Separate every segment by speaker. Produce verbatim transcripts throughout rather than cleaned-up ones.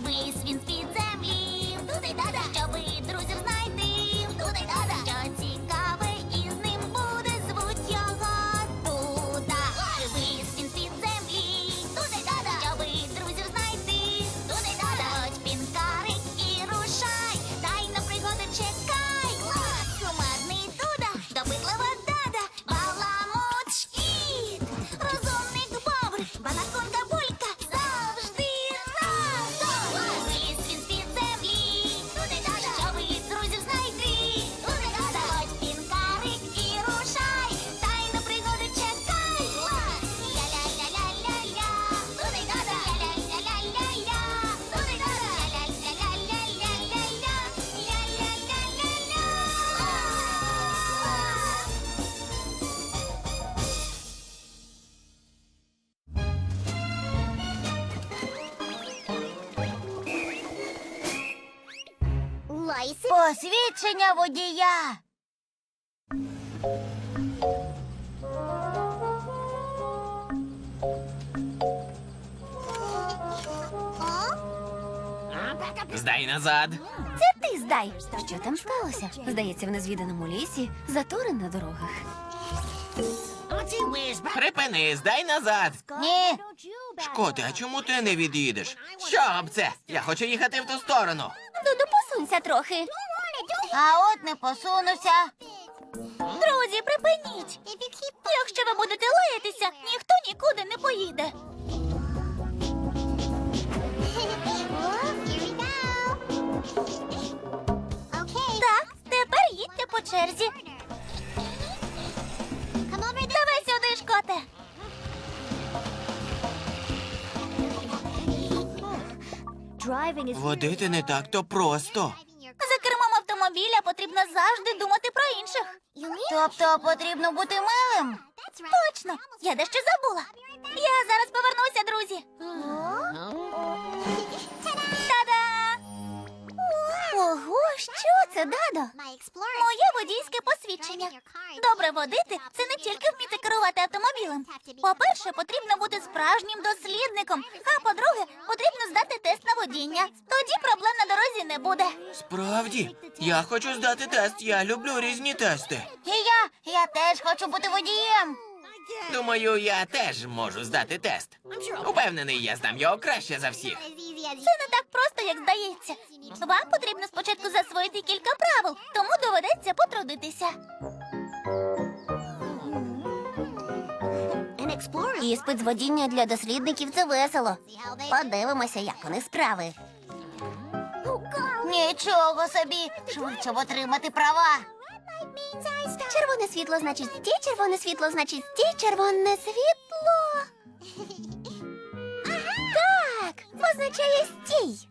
Speaker 1: Виліз він з-під землі, туди-дада, щоби друзів знайти, туди-дада, що цікаве із ним буде, звуть його Дуда. Виліз він з-під землі, туди-дада, щоби друзів знайти, туди-дада, ходь пінкарик і рушай, дай на пригоди чекай. Кумедний Дуда, допитлива Дада, баламут шкіт, розумник Бобр, банаконка Булька, завжди разом. Виліз він з-під землі, туди-дада, щоби друзів знайти, туди-дада, ходь пінкарик і рушай, дай на пригоди чекай. Ля-ля-ля-ля-ля-ля, туди-дада, ля-ля-ля-ля-ля-ля, туди-дада, ля-ля-ля-ля-ля-ля, ля-ля-ля-ля-ля.
Speaker 2: Посвідчення водія.
Speaker 3: Здай назад.
Speaker 2: Це ти здай. Що там сталося? Здається, в незвіданому лісі затори на дорогах.
Speaker 3: Припини, здай назад.
Speaker 2: Ні.
Speaker 3: Шкоти, а чому ти не від'їдеш? Що б це? Я хочу їхати в ту сторону.
Speaker 2: Дуду, посунься трохи. А от не посунуся. Друзі, припиніть. Якщо ви будете лаятися, ніхто нікуди не поїде. Так, тепер їдьте по черзі. Давай сюди, Шкоте.
Speaker 3: Водити не так-то просто.
Speaker 2: За кермом автомобіля потрібно завжди думати про інших. Тобто потрібно бути милим? Точно, я дещо забула. Я зараз повернуся, друзі. Та-да! Ого, що це, Дадо? Моє водійське посвідчення. Добре водити – це не тільки вміти керувати автомобілем. По-перше, потрібно бути справжнім дослідником, а по-друге, потрібно здати тест на водіння. Тоді проблем на дорозі не буде.
Speaker 3: Справді, я хочу здати тест, я люблю різні тести.
Speaker 2: І я, я теж хочу бути водієм.
Speaker 3: Думаю, я теж можу здати тест. Упевнений, я здам його краще за всіх.
Speaker 2: Це не так просто, як здається. Вам потрібно спочатку засвоїти кілька правил, тому доведеться потрудитися. Іспит з водіння для дослідників – це весело. Подивимося, як у них справи. Нічого собі! Швидше отримати права. Червоне світло значить стій, червоне світло значить стій, червоне світло. Так, означає стій.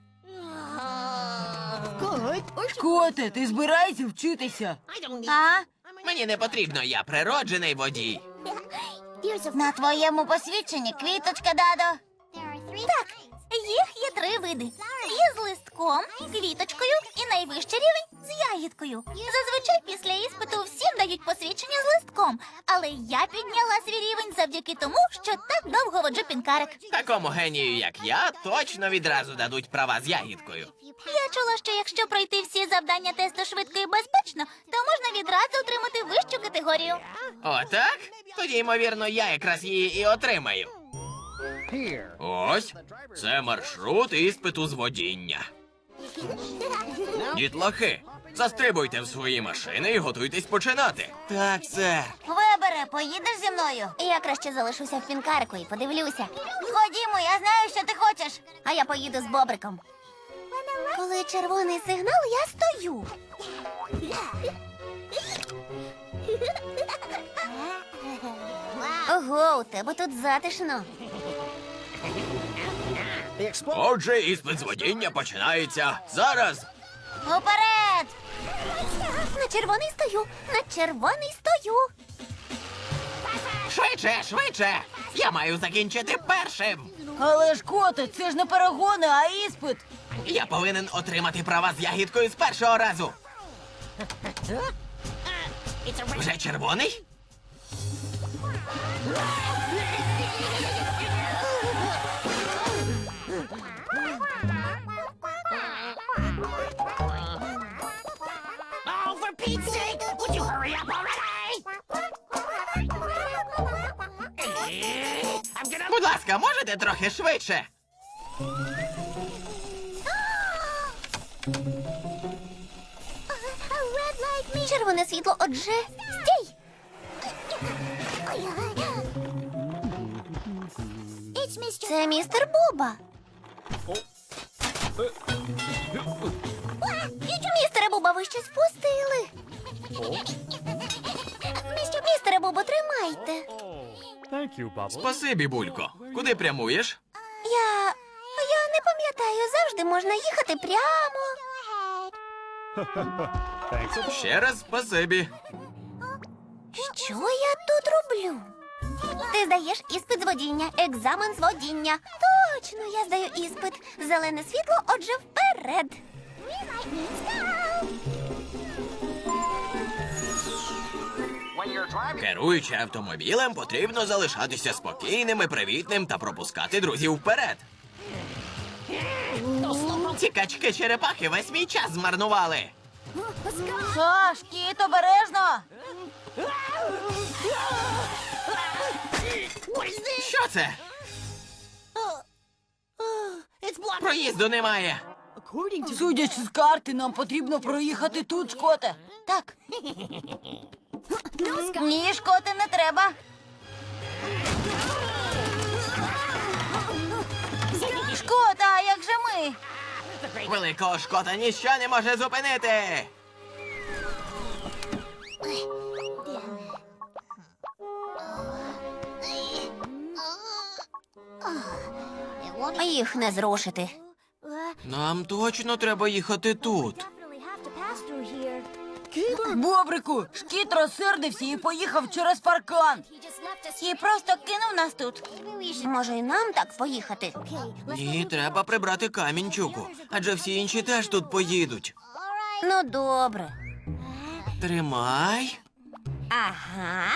Speaker 4: Шкоте, ти збираєшся вчитися?
Speaker 2: А?
Speaker 3: Мені не потрібно, я природжений водій.
Speaker 2: На твоєму посвідченні квіточка, Дадо. Так, їх є три види. Є з листком, квіточкою і найвищий рівень з ягідкою. Зазвичай після іспиту всім дають посвідчення з листком, але я підняла свій рівень завдяки тому, що так довго воджу пінкарик.
Speaker 3: Такому генію, як я, точно відразу дадуть права з ягідкою.
Speaker 2: Я чула, що якщо пройти всі завдання тесту швидко і безпечно, то можна відразу отримати вищу категорію.
Speaker 3: Отак? Тоді, ймовірно, я якраз її і отримаю. Ось, це маршрут іспиту з водіння. Дітлахи, застрибуйте в свої машини і готуйтесь починати. Так, сер.
Speaker 2: Вибере, поїдеш зі мною? Я краще залишуся в пінкарику і подивлюся. Ходімо, я знаю, що ти хочеш. А я поїду з Бобриком. Коли червоний сигнал, я стою. Ого, у тебе тут затишно.
Speaker 3: Отже, іспит з водіння починається зараз.
Speaker 2: Уперед! На червоний стою, на червоний стою.
Speaker 3: Швидше, швидше! Я маю закінчити першим.
Speaker 4: Але Шкоте, це ж не перегони, а іспит.
Speaker 3: Я повинен отримати права з ягідкою з першого разу. Вже червоний? Будь ласка, можете трохи швидше?
Speaker 2: Червоне світло, отже, стій! Це містер Буба. Містере Буба, ви щось впустили. Містере Бубо, тримайте.
Speaker 5: Thank you, Bubbles.
Speaker 3: Спасибі, Булько. Куди прямуєш?
Speaker 2: Я... я не пам'ятаю, завжди можна їхати прямо.
Speaker 5: Thanks.
Speaker 3: Ще раз спасибі.
Speaker 2: Що я тут роблю? Ти здаєш іспит з водіння, екзамен з водіння. Точно, я здаю іспит. Зелене світло, отже, вперед.
Speaker 3: Керуючи автомобілем, потрібно залишатися спокійним і привітним та пропускати друзів вперед. Ці качки-черепахи весь мій час змарнували.
Speaker 4: Ша, шкіт, обережно!
Speaker 3: Що це? Проїзду немає.
Speaker 4: Судячи з карти, нам потрібно проїхати тут, Шкоте.
Speaker 2: Так,
Speaker 4: Ні, Шкоте, не треба. Шкота, а як же ми?
Speaker 3: Великого Шкота ніщо не може зупинити.
Speaker 2: їх не зрушити.
Speaker 3: Нам точно треба їхати тут.
Speaker 4: Бобрику, шкіт розсердився і поїхав через паркан.
Speaker 2: І просто кинув нас тут. Може, і нам так поїхати?
Speaker 3: Ні, треба прибрати камінчуку, адже всі інші теж тут поїдуть.
Speaker 2: Ну, добре.
Speaker 3: Тримай.
Speaker 2: Ага.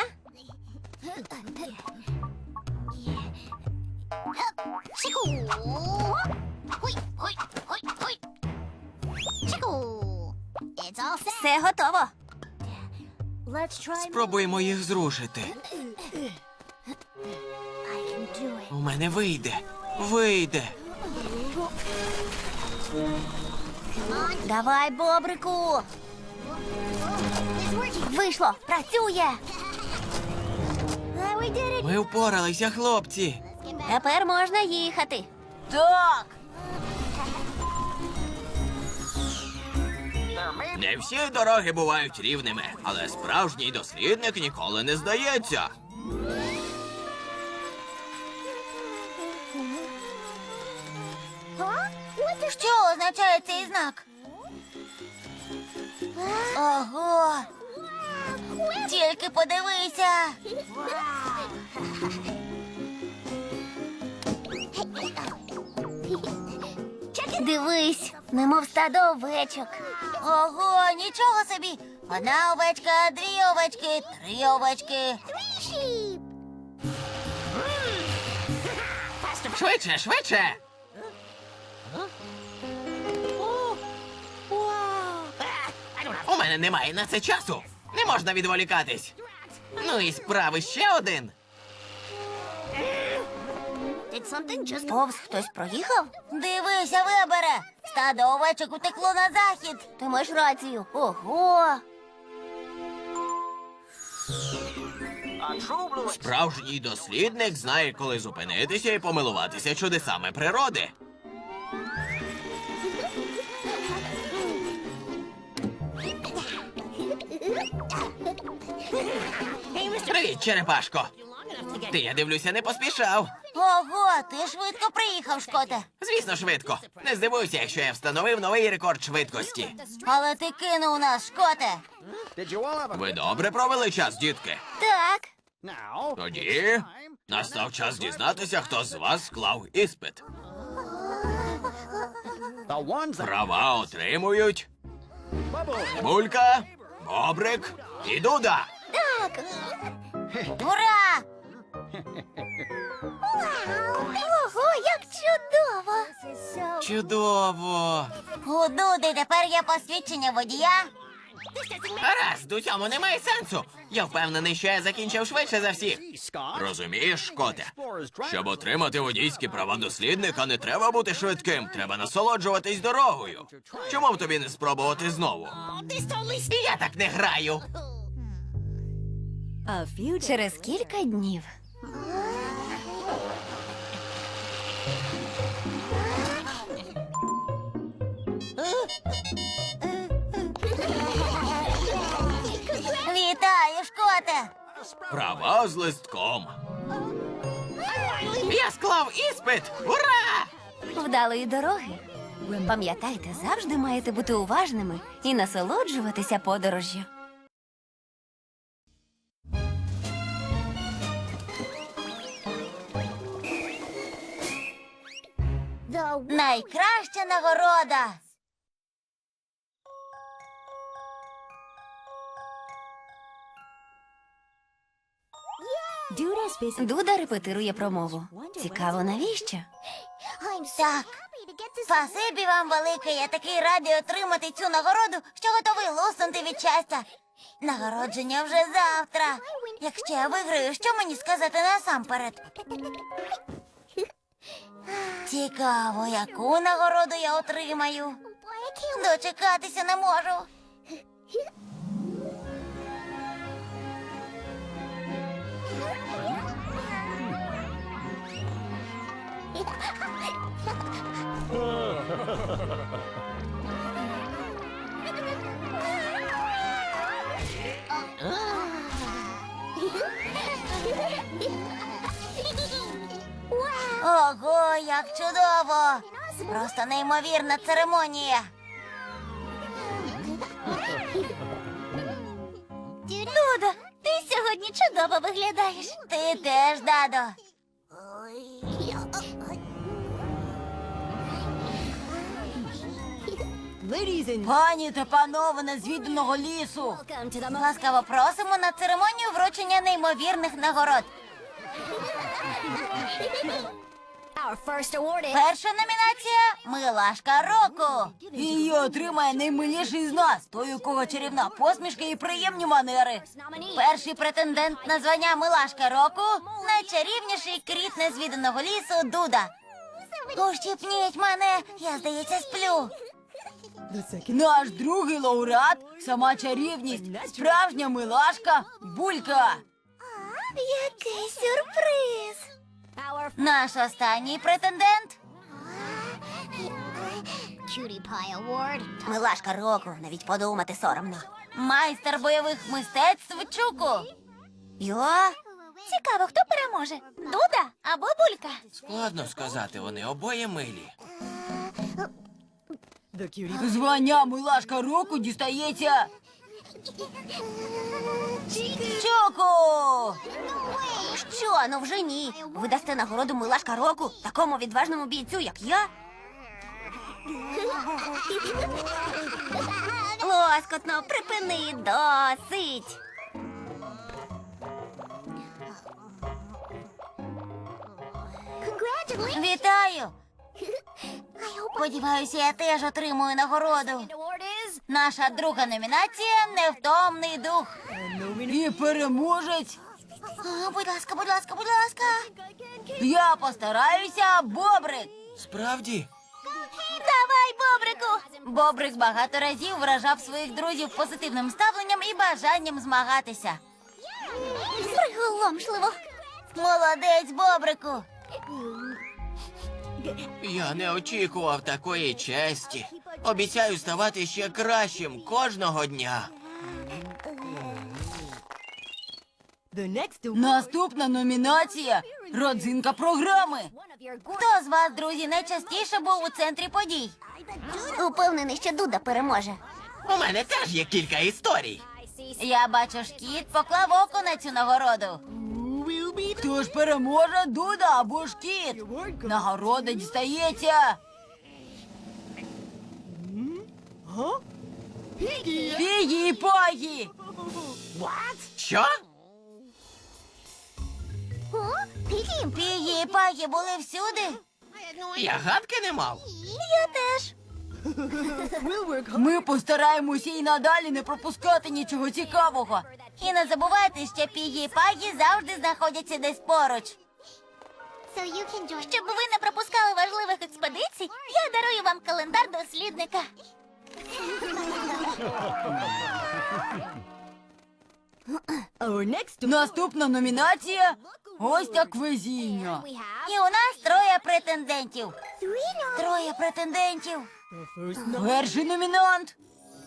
Speaker 2: Все готово.
Speaker 3: Спробуємо їх зрушити. У мене вийде. Вийде.
Speaker 2: Давай, бобрику. Вийшло, працює.
Speaker 3: Ми впоралися, хлопці.
Speaker 2: Тепер можна їхати.
Speaker 4: Так.
Speaker 3: Не всі дороги бувають рівними, але справжній дослідник ніколи не здається.
Speaker 2: Що означає цей знак? Ого! Тільки подивися! Дивись, немов стадо овечок. Ого, нічого собі! Одна овечка, дві овечки, три овечки.
Speaker 3: Швидше, швидше! У мене немає на це часу. Не можна відволікатись. Ну і справи ще один.
Speaker 2: Повз хтось проїхав? Дивися, Вебере! Стадо овечок утекло на захід. Ти маєш рацію. Ого!
Speaker 3: Справжній дослідник знає, коли зупинитися і помилуватися чудесами природи. Привіт, черепашко. Ти, я дивлюся, не поспішав.
Speaker 2: Ого, ти швидко приїхав, Шкоте.
Speaker 3: Звісно, швидко. Не здивуйся, якщо я встановив новий рекорд швидкості.
Speaker 2: Але ти кинув нас, Шкоте.
Speaker 3: Ви добре провели час, дітки?
Speaker 2: Так.
Speaker 3: Тоді настав час дізнатися, хто з вас склав іспит. Права отримують Булька, Бобрик і Дуда.
Speaker 2: Так. Ура! Ого, як чудово!
Speaker 3: Чудово.
Speaker 2: У Дуди тепер є посвідчення водія.
Speaker 3: Гаразд, у цьому немає сенсу. Я впевнений, що я закінчив швидше за всіх.
Speaker 5: Scott.
Speaker 3: Розумієш, Шкоте?
Speaker 5: Explorer's driver.
Speaker 3: Щоб отримати водійські права дослідника, не треба бути швидким, треба насолоджуватись дорогою. Чому б тобі не спробувати знову? Я так не граю.
Speaker 2: Через кілька днів. Вітаю, Шкоте!
Speaker 3: Права з листком. Я склав іспит! Ура!
Speaker 2: Вдалої дороги. Пам'ятайте, завжди маєте бути уважними і насолоджуватися подорожжю. Найкраща нагорода. Дуда репетирує промову. Цікаво, навіщо? Так. Спасибі вам велике. Я такий радий отримати цю нагороду, що готовий луснути від щастя. Нагородження вже завтра. Якщо я виграю, що мені сказати насамперед? Цікаво, яку нагороду я отримаю. Дочекатися не можу. Ого, як чудово! Просто неймовірна церемонія. Дудо, ти сьогодні чудово виглядаєш. Ти теж, Дадо.
Speaker 4: Пані та панове незвіданого лісу.
Speaker 2: Ласкаво просимо на церемонію вручення неймовірних нагород. Перша номінація – Милашка року.
Speaker 4: Її отримає наймиліший з нас, той, у кого чарівна посмішка і приємні манери.
Speaker 2: Перший претендент на звання Милашка року – найчарівніший кріт незвіданого лісу Дуда. Ущипніть мене, я, здається, сплю.
Speaker 4: Наш другий лауреат – сама чарівність, справжня милашка Булька.
Speaker 2: Який сюрприз! Наш останній претендент – Милашка року, навіть подумати соромно. Майстер бойових мистецтв Чуку. Йо? Цікаво, хто переможе? Дуда або Булька?
Speaker 3: Складно сказати, вони обоє милі.
Speaker 4: Звання милашка року дістається Чуку.
Speaker 2: Що, ну вже ні. Ви дасте нагороду Милашка року такому відважному бійцю, як я? Лоскотно, припини, досить. Вітаю! Сподіваюся, я теж отримую нагороду. Наша друга номінація – невтомний дух.
Speaker 4: І переможець.
Speaker 2: О, будь ласка, будь ласка, будь ласка.
Speaker 4: Я постараюся, Бобрик.
Speaker 3: Справді?
Speaker 2: Давай, Бобрику! Бобрик багато разів вражав своїх друзів позитивним ставленням і бажанням змагатися. Приголомшливо. Молодець, Бобрику.
Speaker 3: Я не очікував такої честі. Обіцяю ставати ще кращим кожного дня.
Speaker 4: Наступна номінація – родзинка програми.
Speaker 2: Хто з вас, друзі, найчастіше був у центрі подій? Упевнений, що Дуда переможе.
Speaker 3: У мене теж є кілька історій.
Speaker 2: Я бачу, Шкіт поклав око на цю нагороду.
Speaker 4: Хто ж переможе, Дуда або ж Кіт? Нагорода дістається Пігі і Пагі.
Speaker 3: Що?
Speaker 2: Пігі і Пагі були всюди?
Speaker 3: Я гадки не мав.
Speaker 2: Я теж.
Speaker 4: Ми постараємося і надалі не пропускати нічого цікавого.
Speaker 2: І не забувайте, що Пігі і Пагі завжди знаходяться десь поруч. Щоб ви не пропускали важливих експедицій, я дарую вам календар дослідника.
Speaker 4: Наступна номінація – ось так везіння.
Speaker 2: І у нас троє претендентів. Троє претендентів.
Speaker 4: Перший номінант.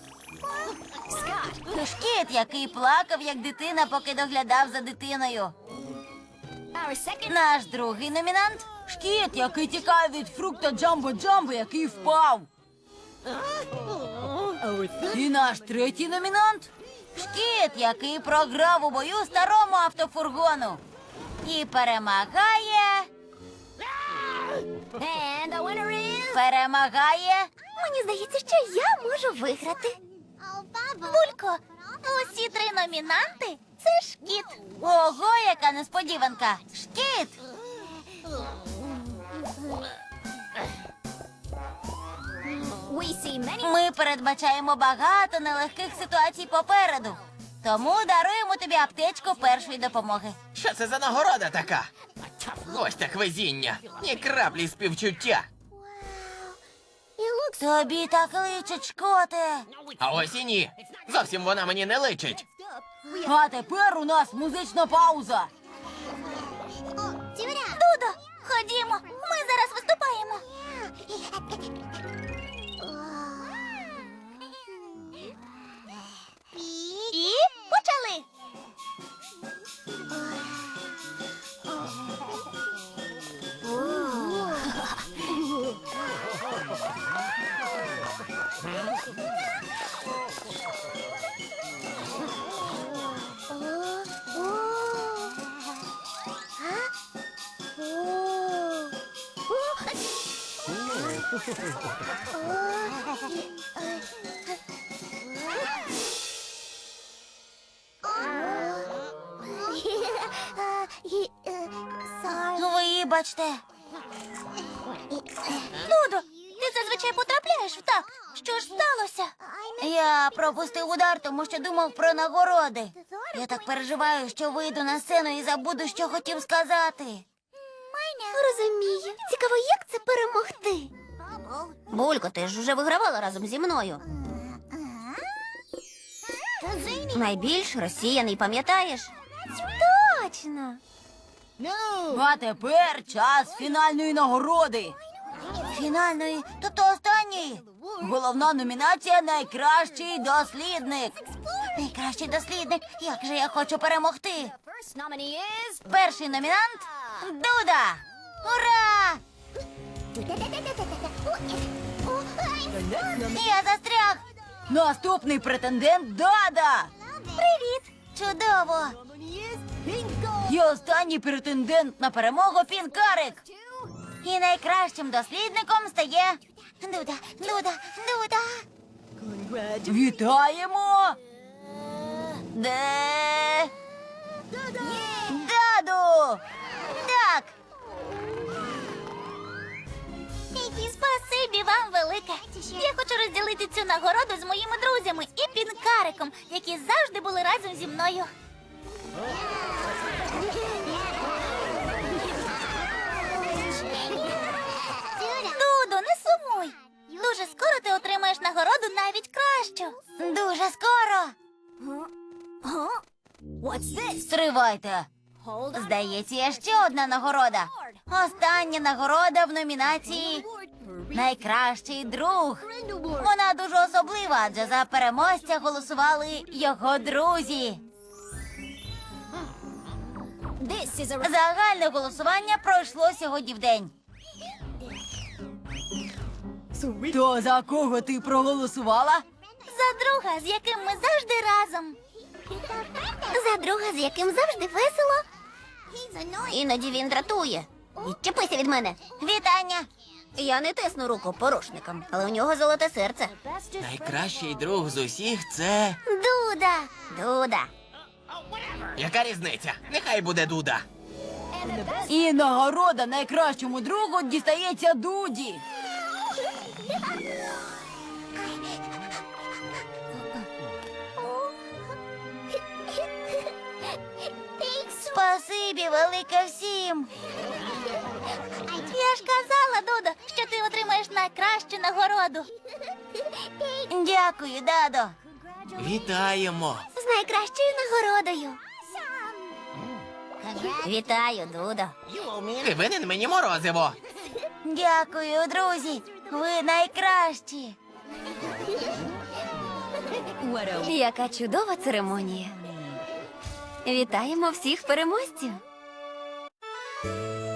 Speaker 2: Шкіт, який плакав, як дитина, поки доглядав за дитиною. Наш другий номінант.
Speaker 4: Шкіт, який тікає від фрукта Джамбо-Джамбо, який впав. І наш третій номінант.
Speaker 2: Шкіт, який програв у бою старому автофургону. І перемагає... Перемагає... Мені здається, що я можу виграти. Булько, усі три номінанти – це Шкіт. Ого, яка несподіванка. Шкіт! Ми передбачаємо багато нелегких ситуацій попереду. Тому даруємо тобі аптечку першої допомоги.
Speaker 3: Що це за нагорода така? Ось так везіння. Ні краплі співчуття.
Speaker 2: Тобі так личить, Шкоте.
Speaker 3: А ось і ні. Зовсім вона мені не личить.
Speaker 4: А тепер у нас музична пауза.
Speaker 2: Дудо, ходімо, ми зараз виступаємо. І почали. Вибачте. Дудо, ти зазвичай потрапляєш в так. Що ж сталося? Я пропустив удар, тому що думав про нагороди. Я так переживаю, що вийду на сцену і забуду, що хотів сказати. Розумію. Цікаво, як це перемогти? Булько, ти ж вже вигравала разом зі мною. Найбільш розсіяний, пам'ятаєш? Точно.
Speaker 4: А тепер час фінальної нагороди.
Speaker 2: Фінальної, тобто останньої.
Speaker 4: Головна номінація – найкращий дослідник.
Speaker 2: Найкращий дослідник. Як же я хочу перемогти. Перший номінант – Дуда. Ура! Я застряг.
Speaker 4: Наступний претендент – Дада.
Speaker 2: Привіт. Чудово.
Speaker 4: І останній претендент на перемогу – Пінкарик.
Speaker 2: І найкращим дослідником стає Дуда, Дуда, Дуда.
Speaker 4: Вітаємо!
Speaker 2: Де? Даду! Так. Спасибі вам велике. Я хочу розділити цю нагороду з моїми друзями і Пінкариком, які завжди були разом зі мною. Дудо, не сумуй. Дуже скоро ти отримаєш нагороду навіть кращу. Дуже скоро.
Speaker 4: Стривайте.
Speaker 2: Здається, є ще одна нагорода. Остання нагорода в номінації «Найкращий друг». Вона дуже особлива, адже за переможця голосували його друзі. Загальне голосування пройшло сьогодні вдень.
Speaker 4: То за кого ти проголосувала?
Speaker 2: За друга, з яким ми завжди разом. За друга, з яким завжди весело. Іноді він дратує. Відчепися від мене. Вітання. Я не тисну руку порушникам, але у нього золоте серце.
Speaker 3: Найкращий друг з усіх це.
Speaker 2: Дуда. Дуда.
Speaker 3: Яка різниця? Нехай буде Дуда.
Speaker 4: І нагорода найкращому другу дістається Дуді.
Speaker 2: Спасибі велике всім. Я ж казала, Дудо, що ти отримаєш найкращу нагороду. Дякую, Дадо.
Speaker 3: Вітаємо!
Speaker 2: З найкращою нагородою. Вітаю, Дудо.
Speaker 3: Ти винен мені морозиво.
Speaker 2: Дякую, друзі. Ви найкращі.
Speaker 6: Яка чудова церемонія. Вітаємо всіх переможців.